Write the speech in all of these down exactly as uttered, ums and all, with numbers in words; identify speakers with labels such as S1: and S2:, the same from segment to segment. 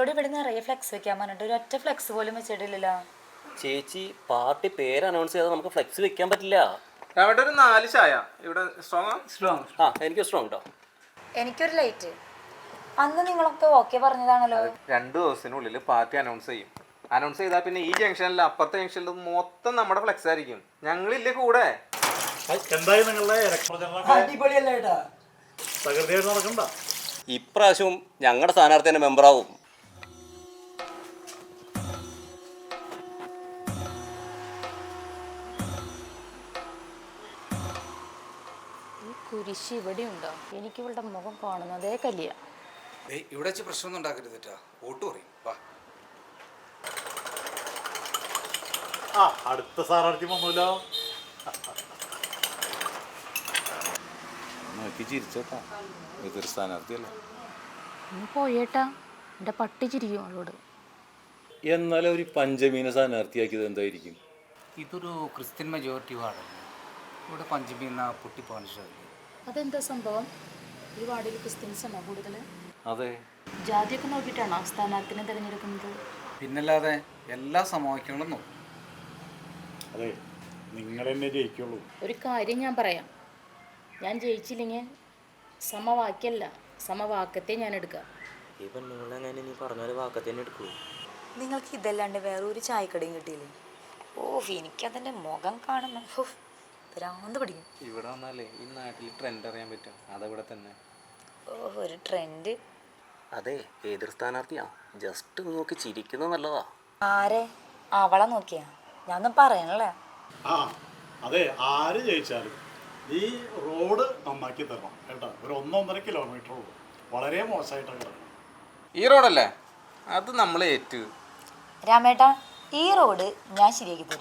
S1: എന്നോട് ഇവിടെ നിറയെ ഫ്ലെക്സ് വെക്കാൻ പറഞ്ഞിട്ട് ഒരു ഒറ്റ ഫ്ലെക്സ് പോലും വെച്ചിട്ടില്ലല്ലോ.
S2: ചേച്ചി പാർട്ടി പേര് അനൗൺസ് ചെയ്താൽ നമുക്ക് ഫ്ലെക്സ് വെക്കാൻ പറ്റില്ല.
S3: രാവിലെ ഒരു നാല് ചായ ഇവിടെ സ്ട്രോങ് സ്ട്രോങ്
S2: ആ എനിക്ക് സ്ട്രോങ് കേട്ടോ.
S1: എനിക്കൊരു ലൈറ്റ്. അന്ന് നിങ്ങളൊക്കെ ഓക്കെ പറഞ്ഞതാണല്ലോ.
S3: രണ്ടു ദിവസത്തിനുള്ളിൽ പാർട്ടി അനൗൺസ് ചെയ്യും. അനൗൺസ് ചെയ്താൽ പിന്നെ ഈ ജംഗ്ഷനിൽ അപ്പുറത്തെ ജംഗ്ഷനിൽ മൊത്തം നമ്മുടെ ഫ്ലെക്സ് ആയിരിക്കും. ഞങ്ങളില്ലേ കൂടെ.
S2: ഇപ്രാവശ്യവും ഞങ്ങളുടെ സ്ഥാനാർത്ഥിന്റെ മെമ്പറാവും.
S1: ഈ കുരിശ് ഇവിടെ ഉണ്ടോ? എനിക്ക് ഇവളുടെ മുഖം കാണുന്നതേ കല്യ.
S4: ഇവിടെ വെച്ച് പ്രശ്നമൊന്നും ഉണ്ടാക്കരുത്. വോട്ട് പറയും. വാ.
S5: ആ അടുത്ത സ്ഥാനാർത്ഥി വന്നല്ലോ. നോക്കി ചിരിച്ചോട്ടാ, ഇതൊരു സ്ഥാനാർത്ഥിയല്ലേ.
S1: പോയേട്ടാ, എൻ്റെ പട്ടി ചിരിക്കും അവളോട്.
S5: എന്നാലും ഒരു പഞ്ചമീനെ സ്ഥാനാർത്ഥിയാക്കിയത് എന്തായിരിക്കും?
S4: ഇതൊരു ക്രിസ്ത്യൻ മെജോറിറ്റി വാർഡാണ്. ഇവിടെ പഞ്ചമി എന്ന പൊട്ടിപ്പോകാൻ ഇഷ്ടമില്ല.
S1: അതെന്താ സംഭവം? ഈ വാർഡിൽ ക്രിസ്ത്യൻസ് ആണോ കൂടുതൽ?
S5: അതെ.
S1: ജാതിയൊക്കെ നോക്കിയിട്ടാണോ സ്ഥാനാർത്ഥിനെ തിരഞ്ഞെടുക്കുന്നത്?
S4: പിന്നല്ലാതെ എല്ലാ സമവാക്യങ്ങളും നോക്കും.
S5: അതെ, നിങ്ങൾ എന്നെ ജയിക്കുള്ളൂ.
S1: ഒരു കാര്യം ഞാൻ പറയാം, ഞാൻ ജയിച്ചില്ലെങ്കിൽ സമവാക്യല്ല സമവാക്കത്തെ ഞാൻ എടുക്കാം.
S2: ഈ പെണ്ണുങ്ങളെങ്ങനെ നീ പറഞ്ഞാൽ വാക്കത്തേനെ എടുക്കൂ.
S1: നിങ്ങൾക്ക് ഇതല്ലാണ്ട് വേറെ ഒരു ചായക്കടയും കിട്ടിയില്ലേ? ഓ, എനിക്കതിൻ്റെ മുഖം കാണുന്ന ഭ്രാന്ത് പിടിക്കും.
S3: ഇവിടെ വന്നാലേ ഈ നാട്ടിൽ ട്രെൻഡ് അറിയാൻ പറ്റും. അതവിടെ തന്നെ.
S1: ഓ, ഒരു ട്രെൻഡ്.
S2: അതെ, എതിർ സ്ഥാനാർത്ഥിയാ. ജസ്റ്റ് നോക്കി ചിരിക്കുന്നത് നല്ലതാ.
S1: ആരെ? അവളെ നോക്കിയാ? ഞാനൊന്നും പറയണല്ലേ.
S5: ആ അതെ, ആര് ജയിച്ചാലും ഈ റോഡ് നന്നാക്കി തരണം കേട്ടോ. ഒരു ഒന്നൊന്നര കിലോമീറ്റർ ഉള്ളൂ, വളരെ മോശമായിട്ടാണ് കിടക്കുന്നത്.
S3: ഈ റോഡല്ലേ? അത് നമ്മൾ ഏറ്റു.
S1: രാമേട്ടാ, ഈ റോഡ് ഞാൻ ശരിയാക്കി തരും.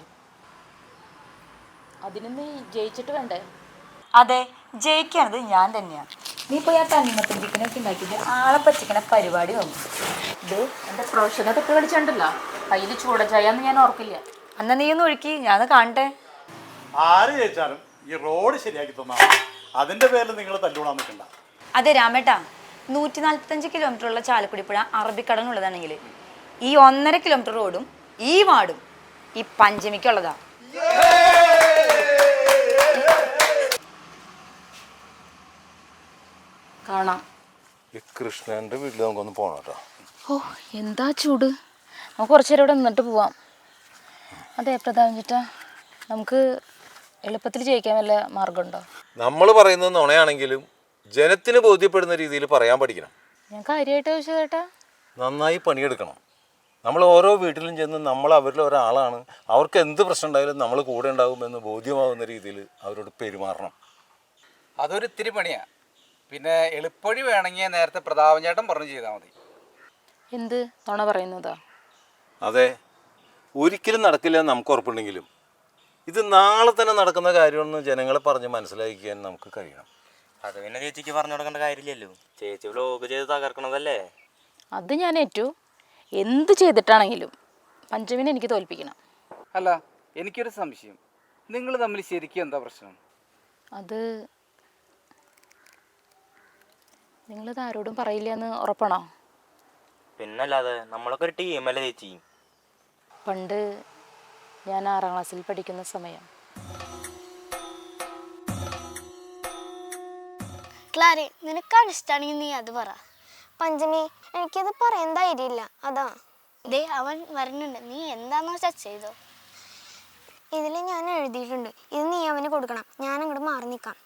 S1: അതിന് നീ ജയിച്ചിട്ട് വേണ്ടേ? അതെ, ജയിക്കാനത് ഞാൻ തന്നെയാണ്. നീ പോയി ആ തണ്ണിമത്തൻ ചിക്കനൊക്കെ ഉണ്ടാക്കിയിട്ട് ആളെ പറ്റിക്കണ പരിപാടി വന്നു. ഇത് എൻ്റെ പ്രൊഫഷനെ തൊട്ട് കളിച്ചിട്ടുണ്ടല്ലോ, കയ്യിൽ ചൂട ചായന്ന് ഞാൻ ഓർക്കില്ല. അന്ന് നീ ഒന്ന് ഒഴുക്കി, ഞാൻ കാണട്ടെ.
S5: ആര് ജയിച്ചാലും ഈ റോഡ് ശരിയാക്കി തന്നാൽ അതിൻ്റെ പേരിൽ നിങ്ങൾ തല്ലുകൂടാൻ നിൽക്കണ്ട.
S1: അതെ രാമേട്ടാ, നൂറ്റി നാൽപ്പത്തഞ്ച് കിലോമീറ്റർ ഉള്ള ചാലക്കുടി പുഴ അറബിക്കടലിനുള്ളതാണെങ്കിൽ ഈ ഒന്നര കിലോമീറ്റർ റോഡും ഈ വാർഡും ഈ പഞ്ചമിക്കുള്ളതാ. കാണാം.
S5: ഈ കൃഷ്ണൻ്റെ വീട്ടിൽ നമുക്കൊന്ന് പോകണം കേട്ടോ.
S1: ഓ, എന്താ ചൂട്. നമുക്ക് കുറച്ചു നേരം ഇവിടെ നിന്നിട്ട് പോവാം. അതെ പ്രതാപൻ ചേട്ടാ, നമുക്ക് എളുപ്പത്തിൽ ജയിക്കാൻ വല്ല മാർഗമുണ്ടോ?
S6: നമ്മൾ പറയുന്നത് നുണയാണെങ്കിലും ജനത്തിന് ബോധ്യപ്പെടുന്ന രീതിയിൽ പറയാൻ പഠിക്കണം.
S1: ഞാൻ കാര്യമായിട്ട് ചോദിച്ചത് ചേട്ടാ.
S6: നന്നായി പണിയെടുക്കണം. നമ്മൾ ഓരോ വീട്ടിലും ചെന്ന് നമ്മൾ അവരിൽ ഒരാളാണ്, അവർക്ക് എന്ത് പ്രശ്നം ഉണ്ടായാലും നമ്മൾ കൂടെ ഉണ്ടാകുമെന്ന് ബോധ്യമാകുന്ന രീതിയിൽ അവരോട് പെരുമാറണം.
S4: അതൊരു ഇത്തിരി പണിയാ. പിന്നെ എളുപ്പവഴി വേണമെങ്കിൽ നേരത്തെ പ്രതാപൻ ചേട്ടൻ പറഞ്ഞു ചെയ്താൽ മതി.
S1: എന്ത് നുണ പറയുന്നതാ?
S6: അതെ, ഒരിക്കലും നടക്കില്ല എന്ന് നമുക്ക് ഉറപ്പുണ്ടെങ്കിലും ഇത് നാളെ തന്നെ നടക്കുന്ന കാര്യമെന്ന് ജനങ്ങളെ പറഞ്ഞ് മനസ്സിലാക്കിക്കാൻ നമുക്ക് കഴിയണം.
S2: അത് പിന്നെ ചേച്ചിക്ക് പറഞ്ഞു കൊടുക്കേണ്ട കാര്യമില്ലല്ലോ. ചേച്ചി വ്ലോഗ് ചെയ്ത് തകർക്കണതല്ലേ.
S1: അത് ഞാൻ ഏറ്റു. എന്ത് ചെയ്തിട്ടാണെങ്കിലും പഞ്ചമിനെ എനിക്ക് തോൽപ്പിക്കണം.
S4: അല്ല, എനിക്കൊരു സംശയം. നിങ്ങൾ തമ്മിൽ ശരിക്കും എന്താ പ്രശ്നം?
S1: അത് നിങ്ങളിത് ആരോടും പറയില്ല എന്ന് ഉറപ്പാണോ?
S2: പിന്നല്ലാതെ നമ്മളൊക്കെ ഒരു ടീമല്ലേ ചേച്ചി.
S1: പണ്ട് ഞാൻ ആറാം ക്ലാസ്സിൽ പഠിക്കുന്ന സമയം
S7: ക്ലാരി, നിനക്കാണ് ഇഷ്ടമാണെങ്കിൽ നീ അത് പറ. പഞ്ചമി, എനിക്കത് പറയാൻ ധൈര്യമില്ല, അതാ. ദേ അവൻ വരുന്നുണ്ട്, നീ എന്താണെന്ന് വെച്ചാൽ ചെയ്തോ. ഇതിൽ ഞാൻ എഴുതിയിട്ടുണ്ട്, ഇത് നീ അവന് കൊടുക്കണം. ഞാൻ അങ്ങോട്ട് മാറി നിൽക്കാം.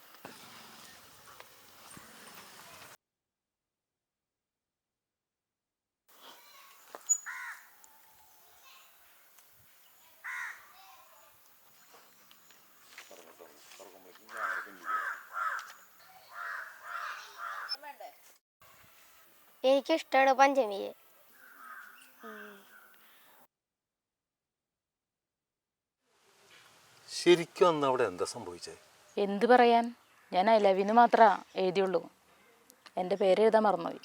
S7: എനിക്കിഷ്ടമാണ് പഞ്ചമിയെ.
S6: ശരിക്കും അന്ന് അവിടെ എന്താ സംഭവിച്ചത്?
S1: എന്ത് പറയാൻ, ഞാൻ ഐ ലവ് യുന്ന് മാത്രമേ എഴുതിയുള്ളൂ. എൻ്റെ പേര് എഴുതാൻ മറന്നുപോയി.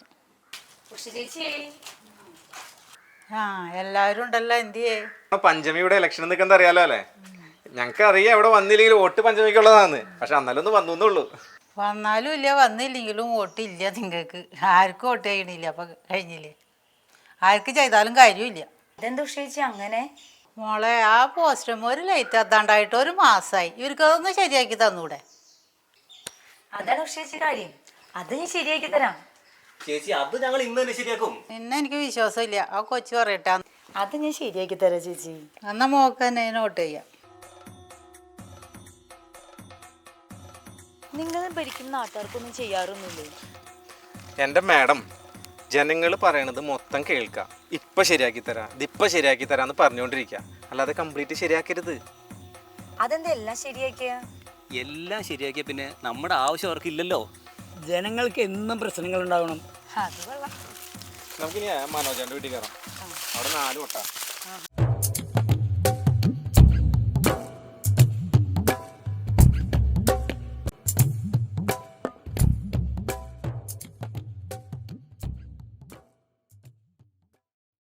S8: ആ എല്ലാവരും ഉണ്ടല്ലോ. എന്തിയേ
S3: പഞ്ചമിയുടെ ഇലക്ഷൻ നിൽക്കുന്നത് അറിയാലോ അല്ലേ? ഞങ്ങൾക്ക് അറിയാം ഇവിടെ വന്നില്ലെങ്കിൽ വോട്ട് പഞ്ചമിക്കുള്ളതാന്ന്. പക്ഷെ അന്നല്ലൊന്ന് വന്നുള്ളൂ.
S8: വന്നാലും ഇല്ല വന്നില്ലെങ്കിലും വോട്ടില്ല നിങ്ങൾക്ക്. ആർക്കും വോട്ട് ചെയ്യണില്ല. അപ്പം കഴിഞ്ഞില്ലേ? ആർക്ക് ചെയ്താലും കാര്യമില്ല.
S1: ഇതെന്താ ചേച്ചി അങ്ങനെ?
S8: മോളെ ആ പോസ്റ്ററും ഒരു ലൈറ്റ് എത്താണ്ടായിട്ട് ഒരു മാസമായി. ഇവർക്ക് അതൊന്ന് ശരിയാക്കി തന്നൂടെ?
S1: അതാണ് ചേച്ചി കാര്യം. അത് ഞാൻ ശരിയാക്കി തരാം.
S2: ചേച്ചി അത് ഞങ്ങൾ ഇന്ന് തന്നെ ശരിയാക്കും.
S8: നിന്നെ എനിക്ക് വിശ്വാസമില്ല. ആ കൊച്ചു പറയട്ടെ.
S1: അത് ഞാൻ ശരിയാക്കി തരാം ചേച്ചി.
S8: എന്നാ മോക്ക് തന്നെ നോട്ട് ചെയ്യാം.
S1: നിങ്ങൾ ഭരിക്കുന്ന നാട്ടുകാർക്കൊന്നും ചെയ്യാറൊന്നുമില്ലേ?
S3: എൻ്റെ മാഡം, ജനങ്ങൾ പറയണത് മൊത്തം കേൾക്കുക. ഇപ്പം ശരിയാക്കി തരാം, ഇതിപ്പം ശരിയാക്കി തരാമെന്ന് പറഞ്ഞുകൊണ്ടിരിക്കുക, അല്ലാതെ കംപ്ലീറ്റ് ശരിയാക്കരുത്.
S1: അതെന്താ എല്ലാം ശരിയാക്കിയ?
S9: എല്ലാം ശരിയാക്കിയ പിന്നെ നമ്മുടെ ആവശ്യം അവർക്കില്ലല്ലോ. ജനങ്ങൾക്ക് എന്നും പ്രശ്നങ്ങൾ ഉണ്ടാവണം.
S1: അത് കൊള്ളാം.
S3: നമുക്കിനി മനോജാൻ്റെ വീട്ടിൽ കയറാം. അവിടെ നാല് വട്ട